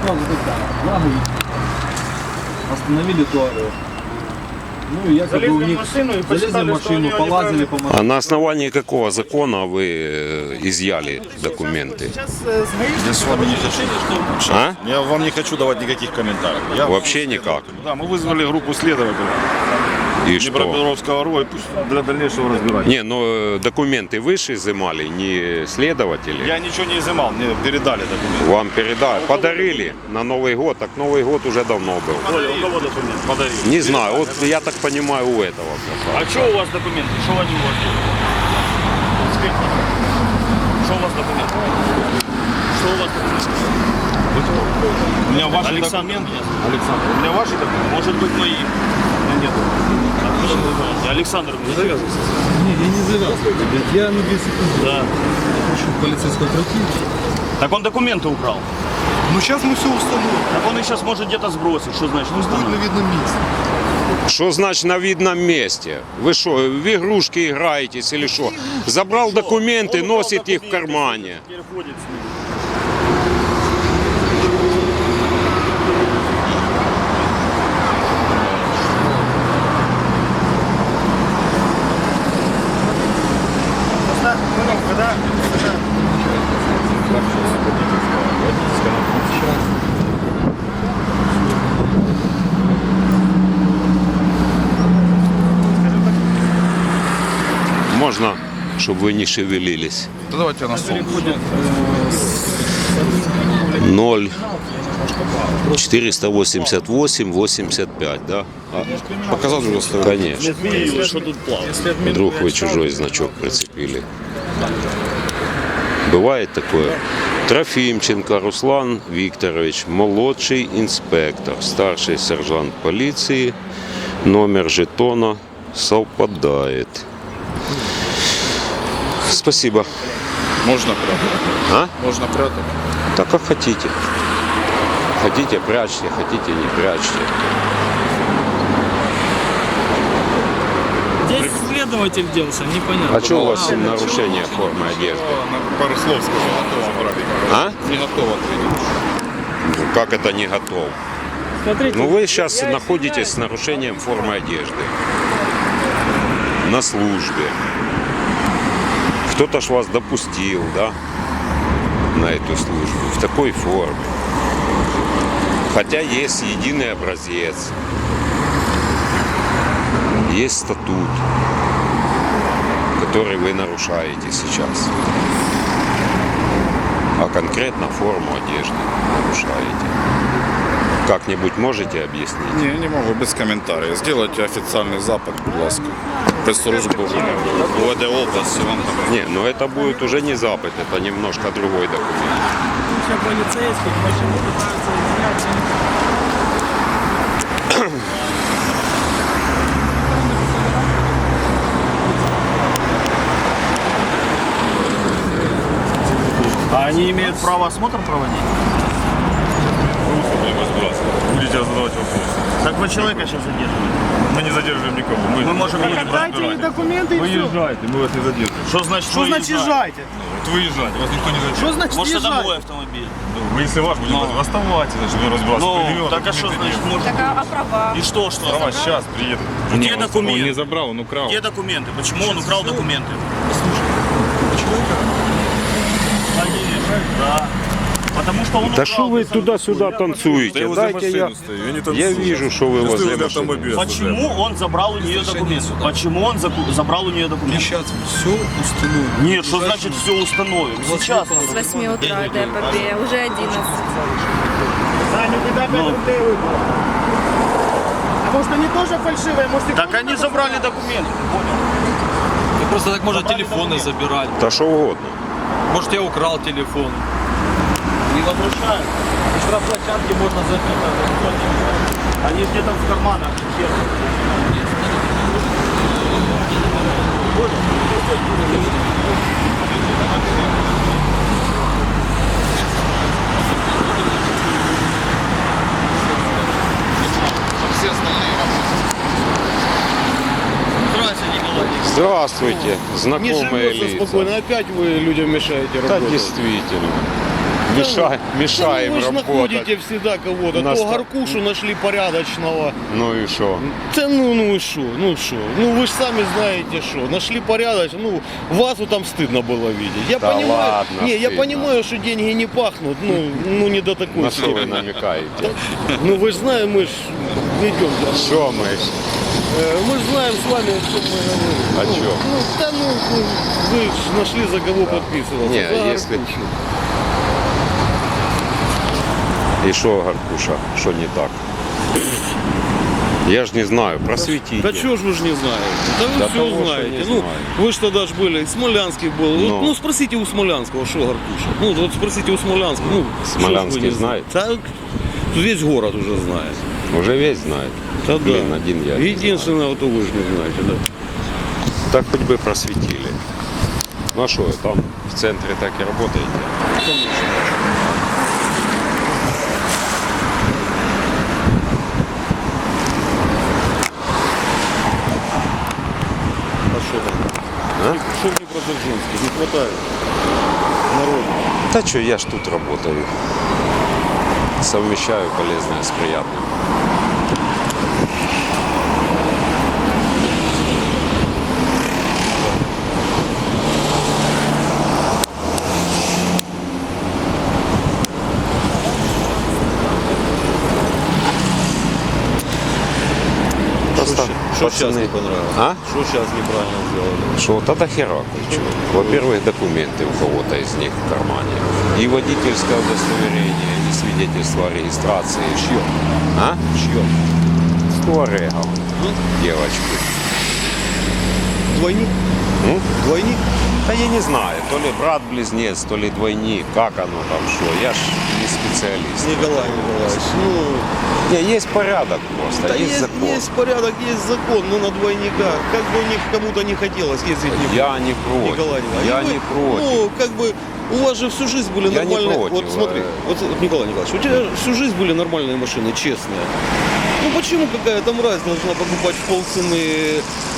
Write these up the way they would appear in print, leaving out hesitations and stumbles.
сразу флаги остановили туарeg. Ну и якобы у них залезли в машину, полазили по машине. А на основании какого закона вы изъяли документы? Я с вами не хочу. А? Я вам не хочу давать никаких комментариев. Я Вообще никак. Да, мы вызвали группу следователей И что? Днепропетровского РО, и пусть для дальнейшего разбирания. Не, ну документы выше изымали, не следователи. Я ничего не изымал, мне передали документы. Вам передали, подарили на Новый год, так Новый год уже давно был. У кого документы? Подарили. Не знаю, вот я так понимаю у этого. А что у вас документы? Что они у вас делают? Что у вас документы? Что у вас документы? У меня ваши Александр. документы. Александр, у меня ваши документы. Может быть мои. Нет. Александр, Не, я не завязываю. Я на 2 секунды. Да. Хочу полицейского пройти. Так он документы украл. Ну сейчас мы все установим. Так он их сейчас может где-то сбросить. Что значит Он будет на установить? видном месте. Что значит на видном месте? Вы что, в игрушки играетесь или что? Забрал документы, носит их в кармане. Переходит с ним. Можно, чтобы вы не шевелились. Да давайте на стол. 0 488 85, да? Показать уже стоит. Конечно. Что тут плавает? Вдруг вы чужой значок прицепили. Бывает такое. Трофимченко Руслан Викторович, молодший инспектор, старший сержант полиции. Номер жетона совпадает. Спасибо. Можно прятать. А? Можно прятать. Так как хотите. Хотите прячьте, хотите не прячьте. Здесь следователь делся, непонятно. А что у вас нарушение формы одежды? Пару слов скажу, готово забрали. А? Не готово ответить. Ну, как это не готов? Смотрите, Ну вы сейчас находитесь с нарушением формы одежды. На службе. Кто-то ж вас допустил, да? На эту службу. В такой форме. Хотя есть единый образец. Есть статут, который вы нарушаете сейчас. А конкретно форму одежды нарушаете. Как-нибудь можете объяснить? Не, не могу, без комментариев. Сделайте официальный запит, будь ласка. Пресс-службу УВД области. Вам там. Не, но это будет уже не запад, это немножко другой документ. куча полицейских, машины пытаются изъять. А они имеют право осмотр проводить? Будете задавать вопросы. Так вы человека сейчас задерживаете. Мы не задерживаем никого. Мы можем едем. Дайте мне документы и все. Выезжайте, мы вас не задерживаем. Что значит Что значит езжайте? Вот выезжайте, вас никто не задерживает. Что значит Может, это мой езжайте? автомобиль. Ну, если ваш, будем оставайтесь, значит, вы разбрасываете. Ну, так а что значит может? Так, а права? И что? Права сейчас приедут. Где документы? Он не забрал, он украл. Где документы? Почему он украл документы? Да. Потому что он Да украл. что вы туда-сюда танцуете? Дайте я вижу, что вы возле машины. Почему он забрал у нее документы? Почему он забрал у нее документы? Сейчас все установим. Нет, что значит все установим? Сейчас. С 8 утра до ДПП, уже 11. А может они тоже фальшивые? Может, Так они забрали документы. Просто так можно телефоны забирать. Да что угодно. Может, я украл телефон. Не возвращают. штрафплощадки можно забить. Они где-то в карманах. Здравствуйте, знакомые лица. Опять вы людям мешаете Да, действительно. Мешаем Вы же работать. находите всегда кого-то. Нас То так- Гаркушу нашли порядочного. Ну и что? Да ну и шо, ну шо. Ну вы же сами знаете, что. Нашли порядочно. Ну, вас вот там стыдно было видеть. Я Да понимаю. ладно, Не, я стыдно. понимаю, что деньги не пахнут. Ну не до такой На что вы степени. намекаете? Ну вы же знаете, мы ж ведем. Что мы? Мы же знаем с вами, о чем мы говорим. О Ну, чем? Ну, да ну, вы ж нашли за кого подписываться. Не, За если- Гаркушу. И что, Гаркуша, что не так? Я ж не знаю, просветите. Да чего ж вы же не знаете? Да вы Да все того, что знаете. не Ну, знаю. вы же тогда ж были, Смолянский был. Ну. Ну, спросите у Смолянского, что Гаркуша. Ну, вот спросите у Смолянского. Ну, Смолянский что ж вы не знает? знаете? Да, весь город уже знает. Уже весь знает. Да, Блин, да. один я. не Единственное, вот вы же не знаете, да. знаю. Так хоть бы просветили. Ну а что, там в центре так и работаете? А что там? А? Что в Днепродзержинске? Не хватает народу. Да что, я ж тут работаю. Совмещаю полезное с приятным. Просто Что сейчас пацаны- не понравилось? А? Что сейчас неправильно сделали? Что тогда хера кучу. Во-первых, документы у кого-то из них в кармане. И водительское удостоверение, и свидетельство о регистрации. Чье? А? Чье? С туарегом. Девочки. Двойник? М? Двойник? Да я не знаю, то ли брат-близнец, то ли двойник, как оно там, что. Я ж не специалист. Николай Николаевич, ну, Не, есть порядок просто, да есть закон. есть порядок, есть закон, но на двойниках. Как бы у них кому-то не хотелось ездить не Я не против. Николай Николаевич. Я И вы, не против. Ну, как бы у вас же всю жизнь были Я не нормальные. против, Вот смотри, вот Николай Николаевич, у тебя всю жизнь были нормальные машины, честные. Ну почему какая-то мразь должна покупать в полцены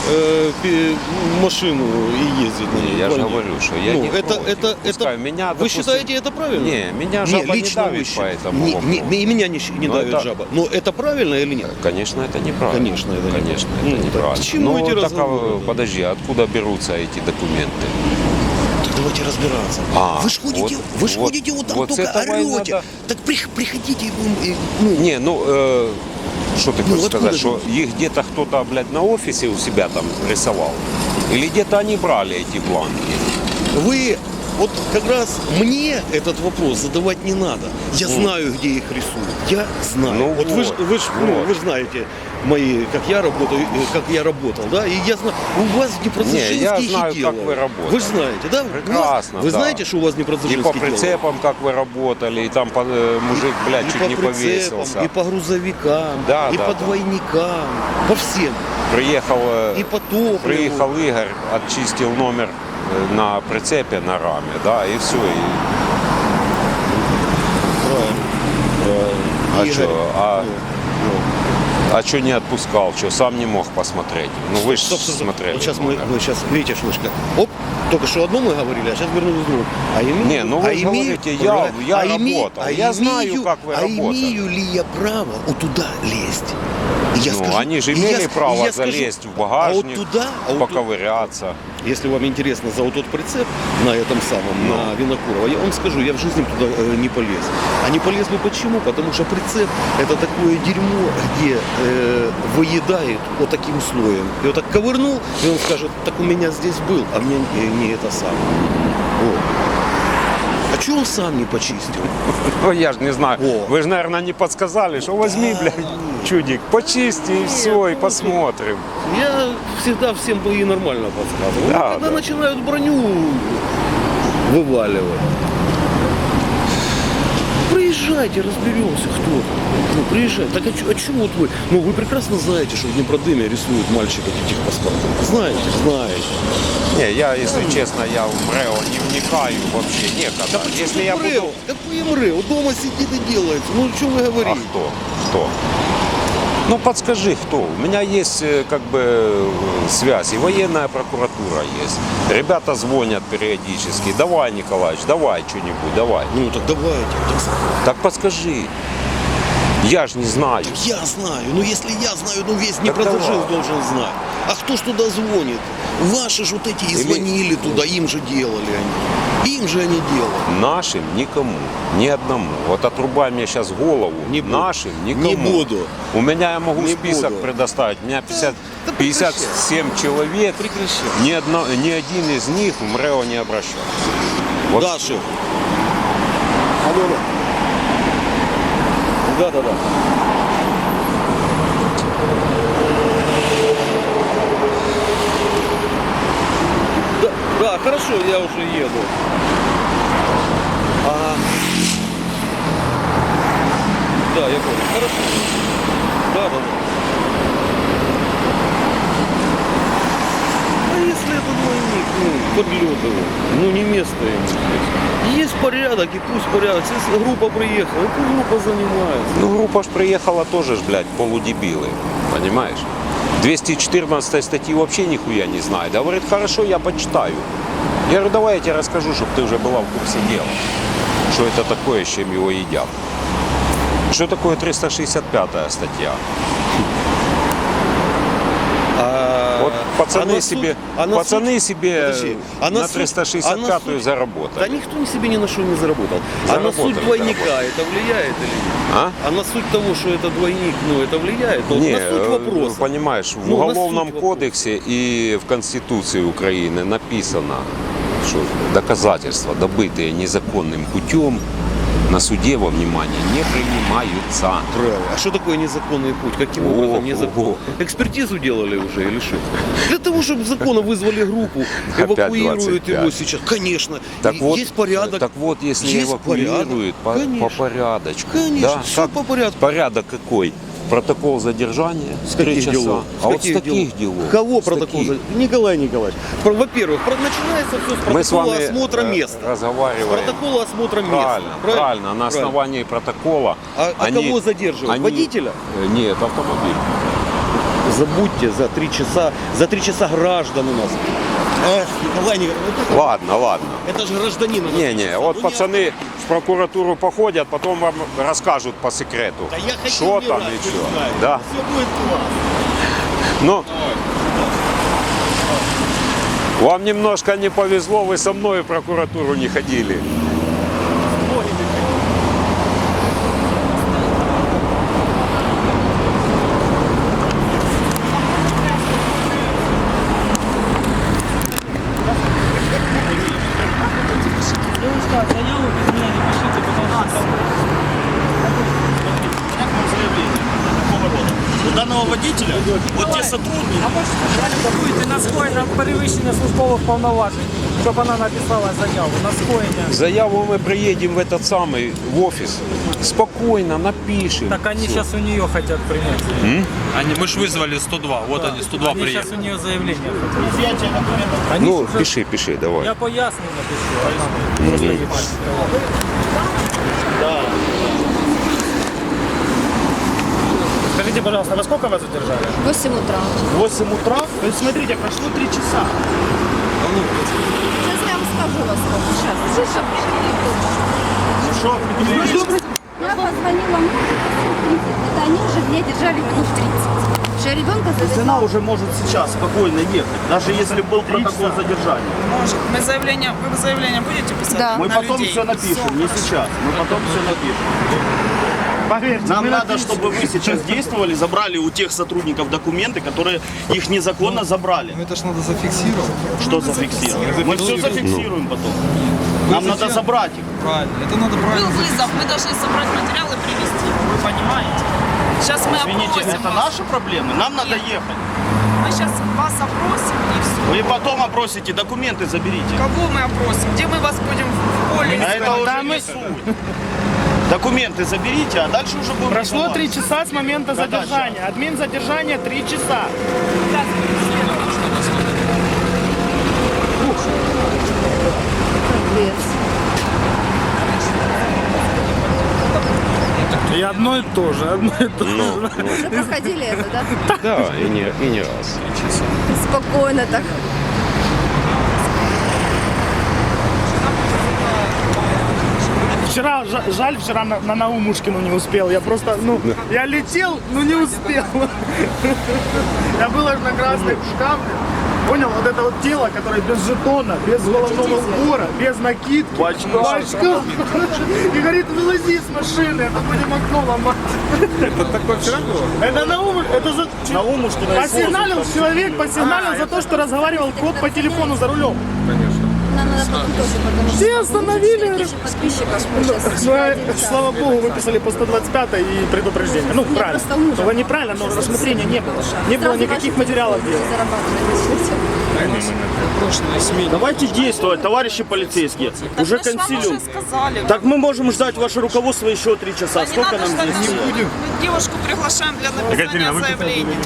машину и ездить на ней? Я же двойник? говорю, что я Ну, не это, против. это, Пускай меня, вы допустим, считаете это правильно? Не, меня жаба не давит по этому вопросу. и меня не Но давит это- жаба. Но это правильно или нет? Конечно, это неправильно. Конечно, это неправильно. Конечно, Ну, это так неправильно. к чему эти так, разговоры? подожди, откуда берутся эти документы? Так давайте разбираться. А, вы ж ходите, вот- вы ж вот- ходите вот там вот с только этого и орете. надо. Так приходите, ну, Не, ну, что ты Ну, хочешь откуда сказать, же? что их где-то кто-то, блядь, на офисе у себя там рисовал? Или где-то они брали эти бланки? вы вот как раз мне этот вопрос задавать не надо. Я знаю, где их рисуют. Я знаю. Ну вот вы ж, вот, ну, вот. вы ж знаете мои, как я работаю, как я работал, да? И я знаю, у вас в Днепродзержинске Не, я их и знаю, как делают. вы работали. Вы же знаете, да? Прекрасно, Вы да. знаете, что у вас в И Днепродзержинске по делают? прицепам, как вы работали, и там мужик, блядь, И чуть по не прицепам, повесился. и по грузовикам, Да, и да, по да. двойникам, по всем. Приехал, И по топливу. приехал Игорь, очистил номер на прицепе, на раме, да, и все. И... А Игорь, что, ну, а что не отпускал, что сам не мог посмотреть? Ну вы же Стоп, стоп, стоп. смотрели. Вот сейчас номер. мы сейчас, видите, Шнышка, оп, только что одно мы говорили, а сейчас вернулись к другому. А имею, Не, ну вы же говорите, я работал, я знаю, как вы работали. имею ли я право вот туда лезть? И я Ну, они же и имели я- право и я скажу, залезть в а багажник, вот туда, поковыряться. если вам интересно за вот тот прицеп на этом самом, Ну. на Винокурова, я вам скажу, я в жизни туда не полез. А не полез бы почему? Потому что прицеп это такое дерьмо, где выедает вот таким слоем. И вот так ковырнул, и он скажет, так у меня здесь был, а мне не это самое. Вот. А что он сам не почистил? Ну я же не знаю. О. Вы же, наверное, не подсказали, что возьми, блядь, чудик, почисти и все, и посмотрим. Я всегда всем и нормально подсказывал. Да, Но когда да. начинают броню вываливать. Приезжайте, разберемся, кто там. Ну, приезжайте. Так а чего вот вы? Ну, вы прекрасно знаете, что в Днепродыме рисуют мальчика этих паспортов. Знаете, знаете. Не, я, если честно, я в МРЭО не вникаю вообще некогда. Если я МРЭО? буду... Какой МРЭО? Дома сидит и делается. Ну, что вы А говорите? кто? Кто? Ну, подскажи, кто? У меня есть как бы связь, и военная прокуратура есть. Ребята звонят периодически. Давай, Николаевич, давай что-нибудь, давай. Ну так давайте. Так подскажи. Я ж не знаю. Я знаю. Ну если я знаю, ну весь Так Днепродзержинск давай. должен знать. А кто ж туда звонит? Ваши же вот эти и звонили туда, им же делали они. Им же они делали. Нашим никому, ни одному. Вот отрубай мне сейчас голову. Не буду. Нашим никому. Не буду. У меня я могу Не список буду. предоставить. У меня Да 57 человек. Прекращай. Ни один из них в МРЭО не обращался. Вот. Да, шеф. Алло. Да. Да, хорошо, я уже еду. Ага. Да, я понял. Хорошо. Да. А если это двойник, ну, подлет его, ну не место ему здесь. Есть порядок, и пусть порядок. Если группа приехала, и пусть группа занимается. Ну, группа ж приехала тоже ж, блядь, полудебилы. Понимаешь? 214 статьи вообще нихуя не знает. Говорит, хорошо, я почитаю. Я говорю, давай я тебе расскажу, чтобы ты уже была в курсе дела. Что это такое, с чем его едят. Что такое 365 статья? Вот пацаны себе Подожди, а на на суд- 365-ю Да заработали. никто себе ни на что не заработал. А на Заработали, суть двойника заработали. это влияет или нет? А? А на суть того, что это двойник, ну это влияет? Вот Не, на суть вопроса. понимаешь, в Ну, на Уголовном суть кодексе и в Конституции Украины написано, что доказательства, добытые незаконным путем, на суде во внимание не принимаются. Правильно. А что такое незаконный путь? Каким образом незаконный? Экспертизу делали уже или что? Для того, чтобы законно вызвали группу, Опять эвакуируют 25. его сейчас. Конечно. Так И вот, есть порядок. Так вот, если Есть эвакуируют по порядок. порядочку. Конечно, Да? всё Как по порядку. Порядок какой? Протокол задержания С 3 каких часа. делов? А вот с таких делов. Кого С протокол? таких. Николай Николаевич. Во-первых, начинается все с Мы с протокола вами осмотра места. С разговариваем. протокола осмотра места. Правильно. На основании протокола. А кого задерживают? Водителя? Нет, автомобиль. Забудьте за 3 часа. За 3 часа граждан у нас. Эх, Николай Николаевич. Ладно. Это же гражданин. у нас. Не, вот Ну, пацаны в прокуратуру походят, потом вам расскажут по секрету, Да я хочу что там умирать, и вы что. знаете. Да. Все будет классно. Ну, вам немножко не повезло, вы со мной в прокуратуру не ходили. Девушка, заяву без меня не пишите, потому что... У данного водителя, вот те сотрудники, Будете на скоєння перевищення службових повноважень, щоб вона написала заяву на скоєння. Заяву мы приедем в этот самый, в офис, спокойно напишем. Так они Всё. сейчас у нее хотят принять. Мы ж вызвали 102, вот они 102 Они сейчас приехали. у нее заявление хотят. Они Ну, сейчас- пиши, давай. Я поясню напишу, а там просто ебать. Скажите, пожалуйста, во сколько вас задержали? 8 утра. 8 утра, то есть смотрите, прошло 3 часа. Сейчас я вам скажу во сколько. Сейчас. Что? Я позвонила мужу, это они уже меня держали минут 30. Что я ребенка Она задержала. уже может сейчас спокойно ехать, даже если был протокол задержания. Может. Вы заявление будете писать? Да. Мы На потом людей? все напишем, не сейчас. Мы потом все напишем. Поверьте, Нам надо, чтобы вы сейчас действовали, забрали у тех сотрудников документы, которые их незаконно забрали. Это ж надо зафиксировать. Что зафиксировать? Мы все зафиксируем потом. Нам надо забрать их. Правильно. Это надо Был правильно вызов, мы должны собрать материалы и привезти. Вы понимаете? Сейчас мы Извините, опросим это вас. наши проблемы? Нам надо ехать. Мы сейчас вас опросим и все. Вы потом опросите, документы заберите. Кого мы опросим? Где мы вас будем в поле А это искать? уже не суть. Документы заберите, а дальше уже будем Прошло 3 разговаривать. часа с момента Да-да, задержания. Админ задержания 3 часа. И одно и то же, одно и то же. Ну, Уже проходили это, да? да, и не раз. Спокойно так. Вчера, жаль, вчера на Наумушкину не успел. Я просто, я летел, но не успел. Я был аж на красных шкафах. Понял, вот это вот тело, которое без жетона, без головного убора, без накидки, в очках. И говорит, вылази с машины, это будем окно ломать. Это такое вчера было? Это это за... Наумушкина. Посигналил человек, посигналил за то, что разговаривал кот по телефону за рулем. Нам надо потом тоже, потому что... Все остановили. Больше подписчиков сейчас. Слава богу, выписали по 125 и предупреждение. Ну, правильно. просто ужас. Было неправильно, но рассмотрения не было. Не было никаких материалов дела. Давайте действовать, товарищи полицейские. Уже консилиум. сказали. Так мы можем ждать ваше руководство еще 3 часа. Да не Сколько надо нам ждать, здесь? мы девушку приглашаем для написания заявления.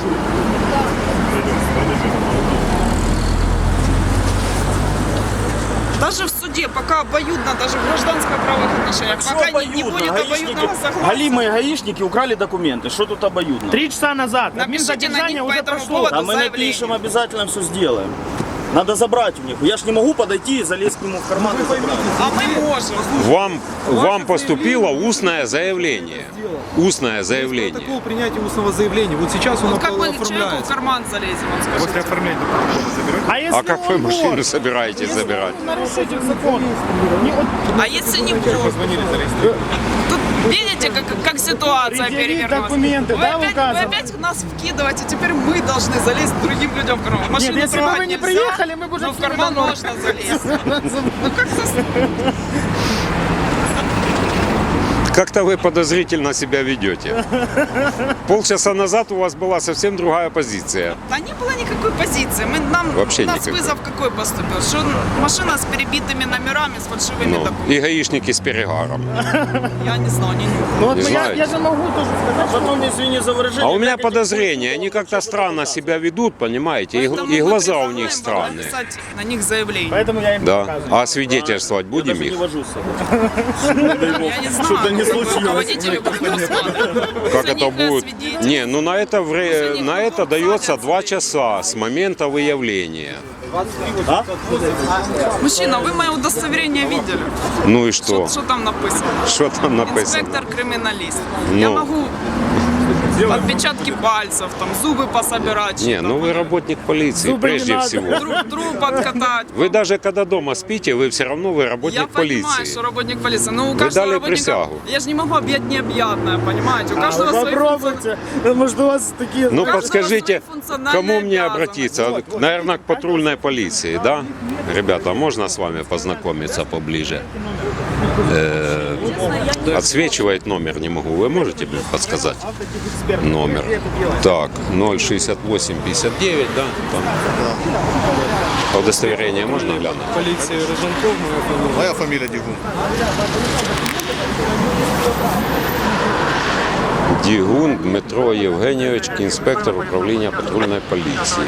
Даже в суде, пока обоюдно, даже в гражданско-правовых отношениях, Что пока не обоюдно? будет обоюдного согласия. Галимые гаишники украли документы. Что тут обоюдно? 3 часа назад. Напишите на Админзадержание них по уже этому прошло. поводу А мы заявление. напишем, обязательно все сделаем. Надо забрать у них. Я ж не могу подойти и залезть к нему в карман и забрать. А мы можем. Вам поступило устное заявление. Устное заявление. Такого принятия устного заявления. Вот сейчас он Вот как мы человеку в оформляется. карман залезем, он скажет. После оформления документов заберете? А если А как вы он машину вор? собираетесь забирать? Нарушитель закона. Не, вот А если не вор? Позвонили, зарегистрировали. Тут видите, как ситуация Предъявить перевернулась. документы, Вы да, опять, указано? вы опять нас вкидываете, теперь мы должны залезть другим людям в карман. Машину Нет, если бы трогать вы не нельзя, приехали, мы бы уже но в всеми карман давно. можно залезть. Ну как-то... Как-то вы подозрительно себя ведете. Полчаса назад у вас была совсем другая позиция. Да не было никакой позиции. Вообще у нас никакой. вызов какой поступил? Что машина с перебитыми номерами, с фальшивыми Ну, документами. и гаишники с перегаром. Я не знаю, не нюхаю. Ну, вот Не я знаете. же могу тоже сказать, что Потом, извини за выражение. А у меня как эти подозрения, они как-то странно себя ведут, понимаете, Поэтому и мы глаза у призываем них вам странные. написать на них заявление. Поэтому я им Да. показываю. А свидетельствовать Я будем даже не их? вожу с собой. Я не знаю, Что-то не как случилось. руководители будут рассматривать. Как За это них будет? свидетель. Не, ну на это дается 2 часа с момента выявления. Мужчина, вы мое удостоверение видели? Ну и что? Что там написано? Что там написано? Инспектор-криминалист. Ну. Я могу отпечатки пальцев, там, зубы пособирать. Не, ну вы работник полиции, Зубы не прежде надо. всего. Труп откатать. Вы даже когда дома спите, вы все равно вы Я работник понимаю, полиции. что работник полиции, но у Вы каждого дали работника... присягу. Я же не могу объять необъятное, понимаете? У А каждого вы свои попробуйте. Может, у вас такие... Ну каждого подскажите, свои функциональные кому мне обязанности. обратиться? Наверное, к патрульной полиции, да? Ребята, можно с вами познакомиться поближе? Отсвечивает номер, не могу. Вы можете мне подсказать? Номер. Так, 06859, да? Там. Удостоверение можно глянуть? Полиция Роженков, Моя фамилия Дигун. Дігун Дмитро Євгенійович, інспектор управління патрульної поліції.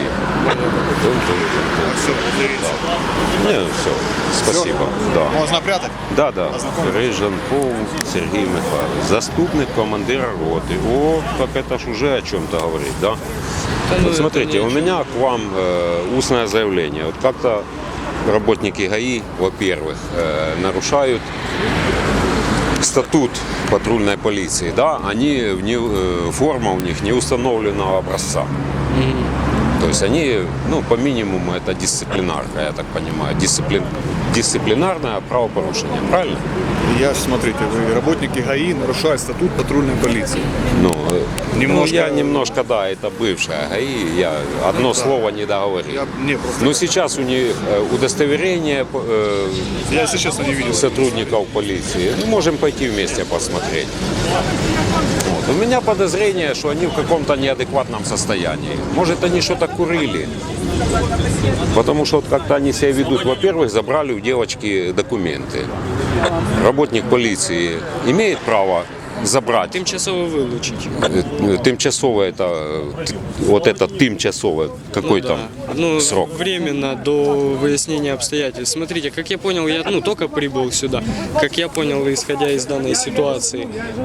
Не, все, спасибо. Да. Можно прятать? Да. Рижанков Сергей Михайлович, заступник командира роты. О, так это ж уже о чем-то говорит, да? Вот смотрите, у меня к вам устное заявление. Вот как-то работники ГАИ, во-первых, нарушают статут патрульной полиции, да, они форма у них не установленного образца. То есть они, ну, по минимуму это дисциплинарка, я так понимаю, дисциплинарное правопорушение, правильно? Я, смотрите, вы работники ГАИ нарушают статут патрульной полиции. Ну, Немножко- я немножко, да, это бывшая ГАИ, я одно слово не договорил. Не, просто Но сейчас у них удостоверение я, если честно, не видел. сотрудников полиции. Мы можем пойти вместе посмотреть. Вот. У меня подозрение, что они в каком-то неадекватном состоянии. Может, они что-то курили. Потому что вот как-то они себя ведут. Во-первых, забрали у девочки документы. Работник полиции имеет право забрать. Тимчасово вилучить. Тимчасово это, вот это тимчасово, какой там срок? Временно до выяснения обстоятельств. Смотрите, как я понял, я только прибыл сюда. Как я понял, исходя из данной ситуації,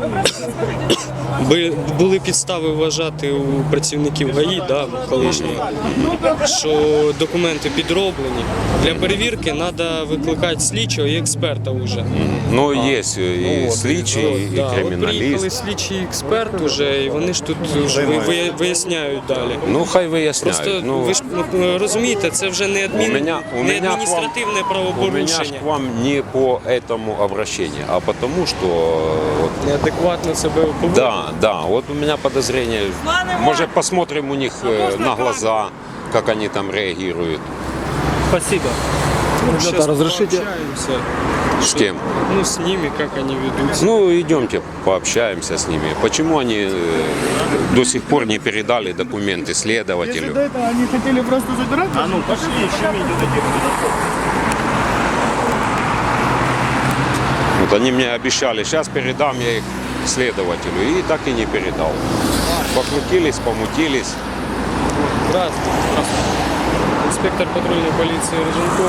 були підстави вважати у працівників ГАІ, колишньої, що документи підроблені. Для перевірки треба викликати слідчого і експерта вже. Ну, есть и слідчий, и От приїхали криміналіст. слідчий і експерт уже, і вони ж тут вже виясняють далі. Ну, хай виясняють. Просто Ну, ви ж розумієте, це вже не не адміністративне у меня правопорушення. ж к вам не по этому обращению, а потому что... вот, Неадекватно себе поводить. да, вот у меня подозрение. Может, посмотрим у них на глаза, как они там реагируют. Спасибо. Сейчас разрешите? пообщаемся. С кем? Ну, с ними, как они ведутся. Ну, идемте, пообщаемся с ними. Почему они до сих пор не передали документы Если следователю? до этого они хотели просто забирать, А ну, пошли, еще видео такие. Вот они мне обещали, сейчас передам я их следователю, и так и не передал. Покрутились, помутились. Здравствуйте. Инспектор патрульной полиции Рыженков.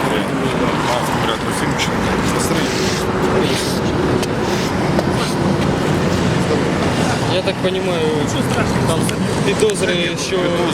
Я так понимаю, там підозри, що...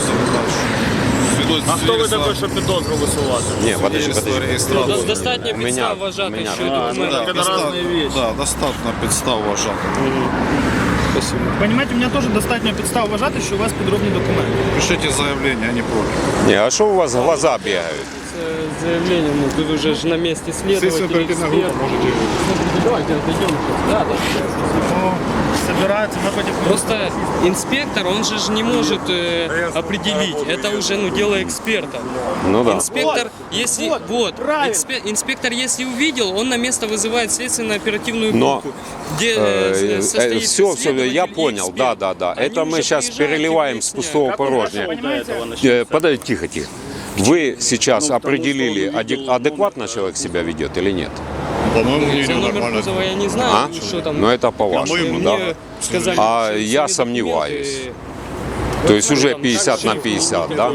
А хто ви такий, щоб підозру висувати? Не, подожди. Достатньо У мене- підстав у вважати, мене- що А, документи. Это разные вещи. Да, достатньо підстав вважати. Спасибо. понимаете, у меня тоже достатньо підстав вважати, що у вас підробні документи. Пишите заявление, а не против. Не, а что у вас глаза бегают? Це заявлення, тут уже ж на місці слідователь, експерт. Смотрите, давайте отойдем. Да. Собираются, мы хотим... Просто инспектор, он же ж не может определить. Это уже дело эксперта. Ну да. Инспектор, если правильно. инспектор, если увидел, он на место вызывает следственно-оперативную Но, группу, где состоит все, я следователь и понял, эксперт. да. Они Это мы уже сейчас приезжают и переливаем с выясняют. пустого порожня. Подожди, тихо. Вы сейчас определили, адекватно человек себя ведет или нет? По-моему, За номер кузова я не знаю, А? что там. Ну это по-вашему, Мне да? сказали, А что я все сомневаюсь. документы- То есть уже 50 на 50, да?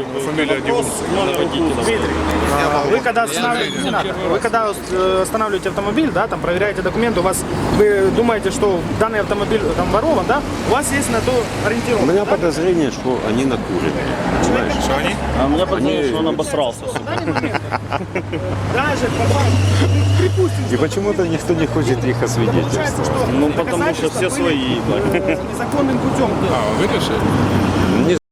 Вы когда останавливаете, не надо. Вы когда останавливаете автомобиль, да, там проверяете документы, у вас вы думаете, что данный автомобиль там ворован, да? У вас есть на то У ориентировка. меня подозрение, что они накурены. А мне подумал, что он обосрался. Даже припустим, И почему-то никто не хочет их освидетельствовать. получается, что Ну, потому что все доказательства свои. были, незаконным путем. Не